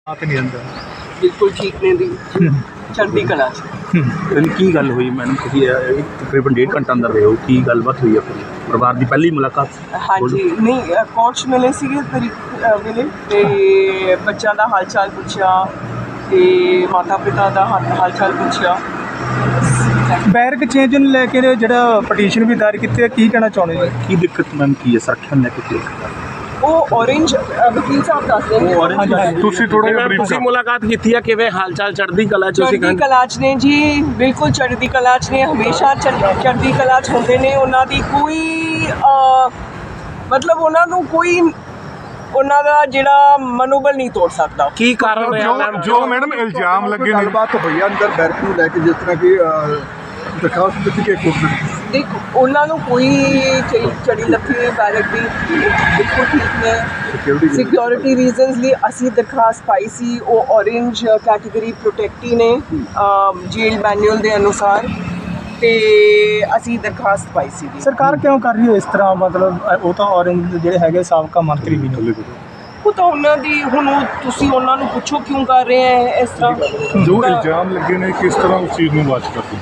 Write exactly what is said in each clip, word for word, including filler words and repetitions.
ਆਤ ਨਹੀਂ ਅੰਦਰ ਬਿਲਕੁਲ ਠੀਕ ਨੇ ਦੀ ਚੜ੍ਹਦੀ ਕਲਾ 'ਚ। ਇਹਦੀ ਕੀ ਗੱਲ ਹੋਈ ਮੈਡਮ? ਤੁਸੀਂ ਇਹ ਤਕਰੀਬਨ ਡੇਢ ਘੰਟਾ ਅੰਦਰ ਰਹੇ ਹੋ, ਕੀ ਗੱਲਬਾਤ ਹੋਈ ਆਪਣੀ ਪਰਿਵਾਰ ਦੀ ਪਹਿਲੀ ਮੁਲਾਕਾਤ? ਹਾਂਜੀ ਨਹੀਂ ਕੋਚ ਮਿਲੇ ਸੀਗੇ ਤਰੀਕ ਮਿਲੇ ਤੇ ਬੱਚਿਆਂ ਦਾ ਹਾਲ ਚਾਲ ਪੁੱਛਿਆ ਤੇ ਮਾਤਾ ਪਿਤਾ ਦਾ ਹਾਲ ਹਾਲ ਚਾਲ ਪੁੱਛਿਆ। ਬੈਰਕ ਚੇਂਜ ਨੂੰ ਲੈ ਕੇ ਜਿਹੜਾ ਪਟੀਸ਼ਨ ਵੀ ਦਾਇਰ ਕੀਤੀ ਹੈ, ਕੀ ਕਹਿਣਾ ਚਾਹੁੰਦੇ ਹੋ? ਕੀ ਦਿੱਕਤ ਮੈਮ ਕੀ ਹੈ ਸੁਰੱਖਿਆ ਨੂੰ ਲੈ ਕੇ? ਉਹ ਔਰੇਂਜ ਵਕੀਲ ਸਾਹਿਬ ਦੱਸਦੇ ਨੇ। ਤੁਸੀਂ ਥੋੜਾ ਜਿਹਾ ਤੁਸੀਂ ਮੁਲਾਕਾਤ ਕੀਤੀ ਹੈ, ਕਿਵੇਂ ਹਾਲ ਚਾਲ ਚੜ੍ਹਦੀ ਕਲਾ ਚ? ਚੜ੍ਹਦੀ ਕਲਾ 'ਚ ਨੇ ਜੀ, ਬਿਲਕੁਲ ਚੜ੍ਹਦੀ ਕਲਾ 'ਚ ਨੇ, ਹਮੇਸ਼ਾ ਚੜ੍ਹ- ਚੜ੍ਹਦੀ ਕਲਾ 'ਚ ਹੁੰਦੇ ਨੇ। ਉਹਨਾਂ ਦੀ ਕੋਈ ਮਤਲਬ ਉਹਨਾਂ ਨੂੰ ਕੋਈ ਉਹਨਾਂ ਦਾ ਜਿਹੜਾ ਮਨੋਬਲ ਨਹੀਂ ਤੋੜ ਸਕਦਾ। ਕੀ ਕਾਰਨ ਰਿਹਾ ਮੈਮ ਜੋ ਮੈਡਮ ਇਲਜ਼ਾਮ ਲੱਗੇ ਨੇ? ਗੱਲਬਾਤ ਹੋਈ ਆ ਅੰਦਰ ਬੈਰਕ ਨੂੰ ਲੈ ਕੇ, ਜਿਸ ਤਰ੍ਹਾਂ ਕਿ ਦਰਖਾਸਤ ਦਿੱਤੀ ਕਿ ਕੋਰਟ ਨੇ। ਦੇਖ ਉਹਨਾਂ ਨੂੰ ਕੋਈ ਚੜੀ ਲੱਥੀ ਨਹੀਂ ਬੈਰਕ ਦੀ, ਬਿਲਕੁਲ ਠੀਕ ਨੇ। ਸਿਕਿਉਰਿਟੀ ਰੀਜ਼ਨਸ ਲਈ ਅਸੀਂ ਦਰਖਾਸਤ ਪਾਈ ਸੀ। ਉਹ ਔਰੇਂਜ ਕੈਟੇਗਰੀ ਪ੍ਰੋਟੈਕਟੀ ਨੇ ਜੇਲ ਮੈਨੂਅਲ ਦੇ ਅਨੁਸਾਰ, ਤੇ ਅਸੀਂ ਦਰਖਾਸਤ ਪਾਈ ਸੀ। ਸਰਕਾਰ ਕਿਉਂ ਕਰ ਰਹੀ ਹੈ ਇਸ ਤਰ੍ਹਾਂ? ਮਤਲਬ ਉਹ ਤਾਂ ਔਰੰਜ ਜਿਹੜੇ ਹੈਗੇ ਸਾਬਕਾ ਮੰਤਰੀ ਵੀ ਨੇ, ਉਹ ਤਾਂ ਉਹਨਾਂ ਦੀ ਹੁਣ ਉਹ ਤੁਸੀਂ ਉਹਨਾਂ ਨੂੰ ਪੁੱਛੋ ਕਿਉਂ ਕਰ ਰਹੇ ਹੈ ਇਸ ਤਰ੍ਹਾਂ। ਜੋ ਇਲਜ਼ਾਮ ਲੱਗੇ ਨੇ ਕਿਸ ਤਰ੍ਹਾਂ ਉਸ ਚੀਜ਼ ਨੂੰ ਵਾਚ ਕਰਦੇ?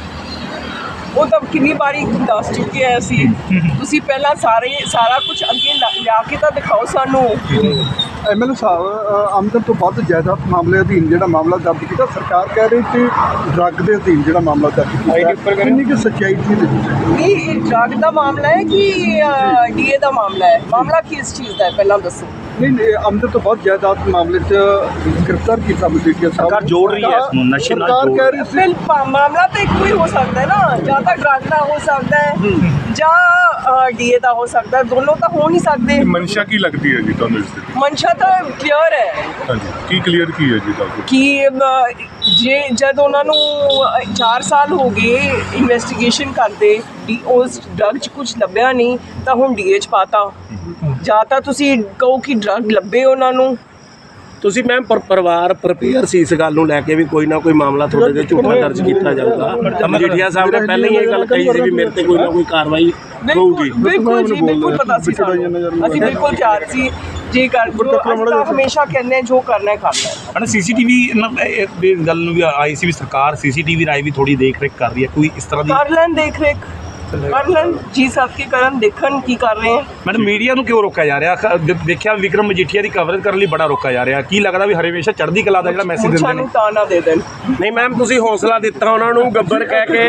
ਉਹ ਤਾਂ ਕਿੰਨੀ ਵਾਰੀ ਦੱਸ ਚੁੱਕੇ ਆ ਅਸੀਂ। ਤੁਸੀਂ ਪਹਿਲਾਂ ਸਾਰੇ ਸਾਰਾ ਕੁਝ ਅੱਗੇ ਲਾ- ਲਿਆ ਕੇ ਤਾਂ ਦਿਖਾਓ ਸਾਨੂੰ। ਐਮਐਲਏ ਸਾਹਿਬ, ਆਮਦਨ ਤੋਂ ਵੱਧ ਜਾਇਦਾਦ ਮਾਮਲੇ ਅਧੀਨ ਜਿਹੜਾ ਮਾਮਲਾ ਦਰਜ ਕੀਤਾ, ਸਰਕਾਰ ਕਹਿ ਰਹੀ ਕਿ ਡਰੱਗ ਦੇ ਅਧੀਨ ਜਿਹੜਾ ਮਾਮਲਾ ਦਰਜ ਕੀਤਾ, ਕਿੰਨੀ ਕਿ ਸੱਚਾਈ ਸੀ? ਨਹੀਂ ਇਹ ਡਰੱਗ ਦਾ ਮਾਮਲਾ ਹੈ ਕਿ ਡੀਏ ਦਾ ਮਾਮਲਾ ਹੈ? ਮਾਮਲਾ ਕਿਸ ਚੀਜ਼ ਦਾ ਹੈ ਪਹਿਲਾਂ ਦੱਸੋ। ਨਹੀਂ ਨਹੀਂ, ਆਮਦਨ ਤੋਂ ਵੱਧ ਜਾਇਦਾਦ ਮਾਮਲੇ 'ਚ ਗ੍ਰਿਫਤਾਰ ਕੀਤਾ ਮਜੀਠੀਆ ਸਾਹਿਬ। ਸਰਕਾਰ ਜੋੜ ਰਹੀ ਹੈ ਇਸ ਨੂੰ, ਨਸ਼ੇ ਨਾਲ ਸਰਕਾਰ ਜੋੜ ਕਹਿ ਰਹੀ ਸੀ ਫਿਰ ਪਾ- ਮਾਮਲਾ ਤਾਂ ਇੱਕੋ ਹੀ ਹੋ ਸਕਦਾ ਹੈ ਨਾ, ਜਾਂ ਤਾਂ ਡਰੱਗ ਦਾ ਹੋ ਸਕਦਾ ਹੈ ਜਾਂ ਡੀਏ ਦਾ ਹੋ ਸਕਦਾ ਹੈ, ਦੋਨੋਂ ਤਾਂ ਹੋ ਨਹੀਂ ਸਕਦੇ। ਮਨਸ਼ਾ ਕੀ ਲੱਗਦੀ ਹੈ ਜੀ ਤੁਹਾਨੂੰ ਇਸ ਦੀ? ਮਨਸ਼ਾ ਤਾਂ ਕਲੀਅਰ ਹੈ ਹਾਂਜੀ, ਕੀ ਕਲੀਅਰ ਕੀ ਹੈ ਜੀ ਤੁਹਾਨੂੰ? ਕਿ ਅ, ਜੇ ਜਦ ਉਹਨਾਂ ਨੂੰ ਚਾਰ ਸਾਲ ਹੋ ਗਏ ਇਨਵੈਸਟੀਗੇਸ਼ਨ ਕਰਦੇ, ਡੀ ਉਸ ਡਰੱਗ 'ਚ ਕੁਝ ਲੱਭਿਆ ਨਹੀਂ ਤਾਂ ਹੁਣ ਡੀਏ 'ਚ ਪਾਤਾ। ਜਾਂ ਤਾਂ ਤੁਸੀਂ ਕਹੋ ਕਿ ਡਰੱਗ ਲੱਭੇ ਉਹਨਾਂ ਨੂੰ। ਤੁਸੀਂ ਮੈਮ ਪਰ ਪਰਿਵਾਰ ਪ੍ਰਪੇਅਰ ਸੀ ਇਸ ਗੱਲ ਨੂੰ ਲੈ ਕੇ ਵੀ ਕੋਈ ਨਾ ਕੋਈ ਮਾਮਲਾ ਤੁਹਾਡੇ ਤੇ ਝੂਠਾ ਦਰਜ ਕੀਤਾ ਜਾਊਗਾ? ਮਜੀਠੀਆ ਸਾਹਿਬ ਨੇ ਪਹਿਲਾਂ ਹੀ ਇਹ ਗੱਲ ਕਹੀ ਸੀ ਵੀ ਮੇਰੇ ਤੇ ਕੋਈ ਨਾ ਕੋਈ ਕਾਰਵਾਈ ਹੋਊਗੀ। ਬਿਲਕੁਲ ਜੀ, ਬਿਲਕੁਲ ਪਤਾ ਸੀ ਸਾਨੂੰ। ਅਸੀਂ ਬਿਲਕੁਲ ਤਿਆਰ ਸੀ ਜੇ ਕਰ ਜੋ ਅਸੀਂ ਤਾਂ ਹਮੇਸ਼ਾ ਕਹਿੰਦੇ ਜੋ ਕਰਨਾ ਹੈ ਕਰਨਾ ਹੈ। ਹਨਾ ਸੀਸੀਟੀਵੀ ਦੀ ਗੱਲ ਨੂੰ ਵੀ ਆਈ ਸੀ ਵੀ ਸਰਕਾਰ ਸੀਸੀਟੀਵੀ ਰਾਈ ਵੀ ਥੋੜੀ ਦੇਖ ਰੇਖ ਕਰ ਰਹੀ ਹੈ, ਕੋਈ ਇਸ ਤਰ੍ਹਾਂ ਦੀ? ਕਰ ਲੈਣ ਦੇਖ ਰੇਖ ਕਰ ਲੈਣ ਜੀ ਸਾਹਿਬ ਕੀ ਕਰਨ, ਦੇਖਣ ਕੀ ਕਰ ਰਹੇ ਹੈ। ਮੈਡਮ ਮੀਡੀਆ ਨੂੰ ਕਿਉਂ ਰੋਕਿਆ ਜਾ ਰਿਹਾ? ਖ- ਦੇ- ਦੇਖਿਆ ਵਿਕਰਮ ਮਜੀਠੀਆ ਦੀ ਕਵਰੇਜ ਕਰਨ ਲਈ ਬੜਾ ਰੋਕਿਆ ਜਾ ਰਿਹਾ। ਕੀ ਲੱਗਦਾ ਵੀ ਹਮੇਸ਼ਾ ਚੜ੍ਹਦੀ ਕਲਾ ਦਾ ਜਿਹੜਾ ਮੈਸੇਜ ਦਿੰਦੇ ਮੁੱਛਾਂ ਨੇ? ਨੂੰ ਤਾਂ ਨਾ ਦੇ ਦੇਣ। ਨਹੀਂ ਮੈਮ ਤੁਸੀਂ ਹੌਸਲਾ ਦਿੱਤਾ ਉਹਨਾਂ ਨੂੰ ਗੱਬਰ ਕਹਿ ਕੇ।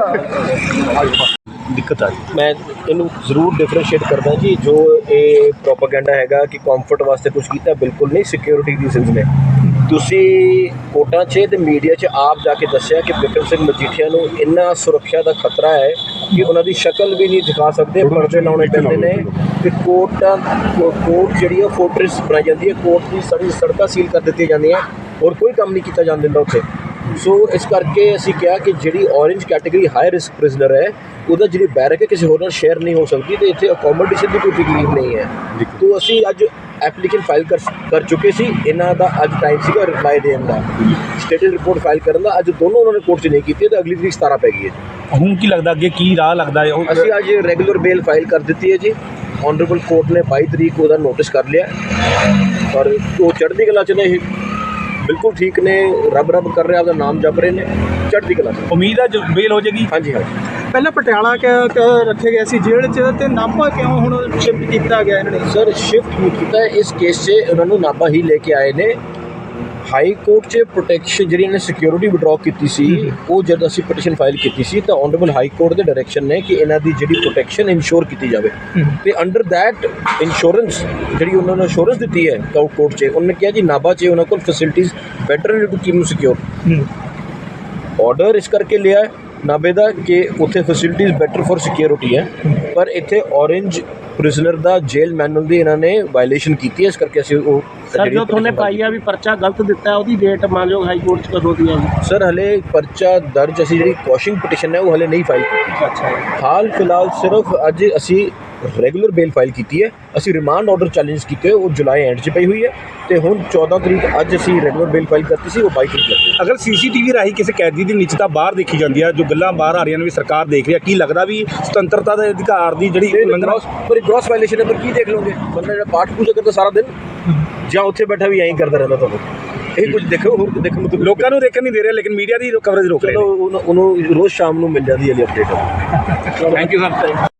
ਦਿੱਕਤ ਆ ਰਹੀ ਮੈਂ ਇਹਨੂੰ ਜ਼ਰੂਰ ਡਿਫਰੈਂਸ਼ੀਏਟ ਕਰਦਾ ਜੀ। ਜੋ ਇਹ ਪ੍ਰੋਪਾਗੈਂਡਾ ਹੈਗਾ ਕਿ ਕੰਫਰਟ ਵਾਸਤੇ ਕੁਝ ਕੀਤਾ, ਬਿਲਕੁਲ ਨਹੀਂ। ਸਿਕਿਉਰਿਟੀ ਰੀਜ਼ਨਸ ਨੇ। ਤੁਸੀਂ ਕੋਰਟਾਂ 'ਚ ਤੇ ਮੀਡੀਆ 'ਚ ਆਪ ਜਾ ਕੇ ਦੱਸਿਆ ਕਿ ਬਿਕਰਮ ਸਿੰਘ ਮਜੀਠੀਆ ਨੂੰ ਇੰਨਾ ਸੁਰੱਖਿਆ ਦਾ ਖਤਰਾ ਹੈ ਕਿ ਉਹਨਾਂ ਦੀ ਸ਼ਕਲ ਵੀ ਨਹੀਂ ਦਿਖਾ ਸਕਦੇ, ਪਰਦੇ ਲਾਉਣੇ ਪੈਂਦੇ ਨੇ। ਕਿ ਕੋਰਟਾਂ ਕੋਰਟ ਜਿਹੜੀ ਹੈ ਫੋਰਟ੍ਰੈਸ ਬਣਾਈ ਜਾਂਦੀ ਹੈ, ਕੋਰਟ ਦੀ ਸਾਰੀ ਸੜਕਾਂ ਸੀਲ ਕਰ ਦਿੱਤੀਆਂ ਜਾਂਦੀਆਂ, ਔਰ ਕੋਈ ਕੰਮ ਨਹੀਂ ਕੀਤਾ ਜਾਣ ਦਿੰਦਾ ਉੱਥੇ। ਸੋ ਇਸ ਕਰਕੇ ਅਸੀਂ ਕਿਹਾ ਕਿ ਜਿਹੜੀ orange category high risk prisoner ਹੈ, ਉਹਦਾ ਜਿਹੜੀ ਬੈਰਕ ਹੈ ਕਿਸੇ ਹੋਰ ਨਾਲ ਸ਼ੇਅਰ ਨਹੀਂ ਹੋ ਸਕਦੀ, ਤੇ ਇੱਥੇ ਅਕੋਮੋਡੇਸ਼ਨ ਦੀ ਕੋਈ ਤਕਲੀਫ ਨਹੀਂ ਹੈ। ਤੋ ਅਸੀਂ ਅੱਜ ਐਪਲੀਕੇਸ਼ਨ ਫਾਈਲ ਕਰ ਕਰ ਚੁੱਕੇ ਸੀ। ਇਹਨਾਂ ਦਾ ਅੱਜ ਟਾਈਮ ਸੀਗਾ ਰਿਪਲਾਈ ਦੇਣ ਦਾ, ਸਟੇਟਸ ਰਿਪੋਰਟ ਫਾਈਲ ਕਰਨ ਦਾ। ਅੱਜ ਦੋਨੋਂ ਉਹਨਾਂ ਨੇ ਕੋਰਟ 'ਚ ਨਹੀਂ ਕੀਤੀ, ਤਾਂ ਅਗਲੀ ਤਰੀਕ ਸਤਾਰਾਂ ਪੈ ਗਈ ਹੈ ਜੀ। ਹੁਣ ਕੀ ਲੱਗਦਾ ਅੱਗੇ ਕੀ ਰਾਹ ਲੱਗਦਾ ਹੈ? ਉਹ ਅਸੀਂ ਅੱਜ ਰੈਗੂਲਰ ਬੇਲ ਫਾਈਲ ਕਰ ਦਿੱਤੀ ਹੈ ਜੀ। ਆਨਰੇਬਲ ਕੋਰਟ ਨੇ ਬਾਈ ਤਰੀਕ ਉਹਦਾ ਨੋਟਿਸ ਕਰ ਲਿਆ, ਔਰ ਉਹ ਚੜ੍ਹਦੀ ਕਲਾ 'ਚ ਨੇ, ਬਿਲਕੁਲ ਠੀਕ ਨੇ, ਰੱਬ ਰੱਬ ਕਰ ਰਹੇ, ਆਪਦਾ ਨਾਮ ਜਪ ਰਹੇ ਨੇ, ਚੜ੍ਹਦੀ ਕਲਾ 'ਚ। ਉਮੀਦ ਹੈ ਜੋ ਬੇਲ ਹੋ ਜਾਏਗੀ। ਹਾਂਜੀ ਹਾਂਜੀ। ਪਹਿਲਾਂ ਪਟਿਆਲਾ ਰੱਖੇ ਗਏ ਸੀ ਜੇਲ੍ਹ 'ਚ, ਤੇ ਨਾਭਾ ਕਿਉਂ ਹੁਣ ਸ਼ਿਫਟ ਕੀਤਾ ਗਿਆ ਇਹਨਾਂ ਨੇ? ਸਰ ਸ਼ਿਫਟ ਨਹੀਂ ਕੀਤਾ ਇਸ ਕੇਸ 'ਚ, ਉਹਨਾਂ ਨੂੰ ਨਾਭਾ ਹੀ ਲੈ ਕੇ ਆਏ ਨੇ। ਹਾਈ ਕੋਰਟ 'ਚ ਪ੍ਰੋਟੈਕਸ਼ਨ ਜਿਹੜੀ ਇਹਨੇ ਸਿਕਿਉਰਿਟੀ ਵਿਡਰਾਅ ਕੀਤੀ ਸੀ, ਉਹ ਜਦ ਅਸੀਂ ਪਟੀਸ਼ਨ ਫਾਈਲ ਕੀਤੀ ਸੀ ਤਾਂ ਆਨਰੇਬਲ ਹਾਈ ਕੋਰਟ ਦੇ ਡਾਇਰੈਕਸ਼ਨ ਨੇ ਕਿ ਇਹਨਾਂ ਦੀ ਜਿਹੜੀ ਪ੍ਰੋਟੈਕਸ਼ਨ ਇਨਸ਼ੋਰ ਕੀਤੀ ਜਾਵੇ, ਤੇ ਅੰਡਰ ਦੈਟ ਇੰਸ਼ੋਰੈਂਸ ਜਿਹੜੀ ਉਹਨਾਂ ਨੇ ਇੰਸ਼ੋਰੈਂਸ ਦਿੱਤੀ ਹੈ ਕੋਰਟ 'ਚ, ਉਹਨਾਂ ਨੇ ਕਿਹਾ ਜੀ ਨਾਭਾ 'ਚ ਉਹਨਾਂ ਕੋਲ ਫੈਸਿਲਿਟੀਜ਼ ਬੈਟਰ ਨੇ to keep you secure. Order ਇਸ ਕਰਕੇ ਲਿਆ ਨਾਭੇ ਦਾ ਕਿ ਉੱਥੇ ਫੈਸਿਲਿਟੀਜ਼ ਬੈਟਰ ਫॉर ਸਿਕਿਉਰਿਟੀ ਹੈ, ਪਰ ਇੱਥੇ ਔਰੇਂਜ ਪ੍ਰਿਜ਼ਨਰ ਦਾ ਜੇਲ ਮੈਨੂਅਲ ਦੀ ਇਹਨਾਂ ਨੇ ਵਾਇਲੇਸ਼ਨ ਕੀਤੀ ਹੈ। ਇਸ ਕਰਕੇ ਅਸੀਂ ਉਹ ਸਰ ਜੋ ਤੁਹਾਨੇ ਪਾਈ ਆ ਵੀ ਪਰਚਾ ਗਲਤ ਦਿੱਤਾ, ਉਹਦੀ ਡੇਟ ਮੰਨਯੋਗ ਹਾਈ ਕੋਰਟ 'ਚ ਕਦੋਂ ਦੀ ਹੈ? ਸਰ ਹਲੇ ਪਰਚਾ ਦਰਜ, ਅਸੀਂ ਜਿਹੜੀ ਕੁਐਸ਼ਿੰਗ ਪਟੀਸ਼ਨ ਹੈ ਉਹ ਹਲੇ ਨਹੀਂ ਫਾਈਲ ਕੀਤੀ। ਅੱਛਾ। ਹਾਲ ਫਿਲਹਾਲ ਸਿਰਫ ਅੱਜ ਅਸੀਂ ਰੈਗੂਲਰ ਬੇਲ ਫਾਈਲ ਕੀਤੀ ਹੈ। ਅਸੀਂ ਰਿਮਾਂਡ ਆਰਡਰ ਚੈਲੰਜ ਕੀਤੇ ਉਹ ਜੁਲਾਈ ਐਂਡ 'ਚ ਪਈ ਹੋਈ ਹੈ ਤੇ ਹੁਣ ਚੌਦਾਂ ਤਰੀਕ ਅੱਜ ਅਸੀਂ ਰੈਗੂਲਰ ਬੇਲ ਫਾਈਲ ਕਰਤੀ ਸੀ, ਉਹ ਬਾਈ ਤਰੀਕ ਲੱਗੀ। ਅਗਰ ਸੀਸੀਟੀਵੀ ਰਾਹੀਂ ਕਿਸੇ ਕੈਦੀ ਦੀ ਨਿੱਜਤਾ ਬਾਹਰ ਦੇਖੀ ਜਾਂਦੀ ਹੈ, ਜੋ ਗੱਲਾਂ ਬਾਹਰ ਆ ਰਹੀਆਂ ਨੇ ਵੀ ਸਰਕਾਰ ਦੇਖ ਰਹੀ ਹੈ, ਕੀ ਲੱਗਦਾ ਵੀ ਸੁਤੰਤਰਤਾ ਦੇ ਅਧਿਕਾਰ ਦੀ ਜਿਹੜੀ ਉਲੰਘਣਾ ਪਰ ਗ੍ਰੋਸ ਵਾਇਲੇਸ਼ਨ ਹੈ, ਪਰ ਕੀ ਦੇਖ ਲਓਗੇ? ਬੰਦਾ ਜਿਹੜਾ ਪਾਠ ਪੂਜਾ ਕਰਦਾ ਸਾਰਾ ਦਿਨ ਜਾਂ ਉੱਥੇ ਬੈਠਾ ਵੀ ਐਂ ਕਰਦਾ ਰਹਿੰਦਾ, ਤੁਹਾਨੂੰ ਇਹ ਕੁਝ ਦੇਖੋ ਹੋਰ ਦੇਖਣ ਨੂੰ ਲੋਕਾਂ ਨੂੰ ਦੇਖਣ ਨਹੀਂ ਦੇ ਰਿਹਾ, ਲੇਕਿਨ ਮੀਡੀਆ ਦੀ ਕਵਰੇਜ ਰੋਕ ਰਹੇ ਚਲੋ ਉਹਨੂੰ ਉਹਨੂੰ ਰੋਜ਼ ਸ਼ਾਮ ਨੂੰ ਮਿਲ ਜਾਂਦੀ ਹੈ ਅਪਡੇਟ। ਨੇ। Thank you sir.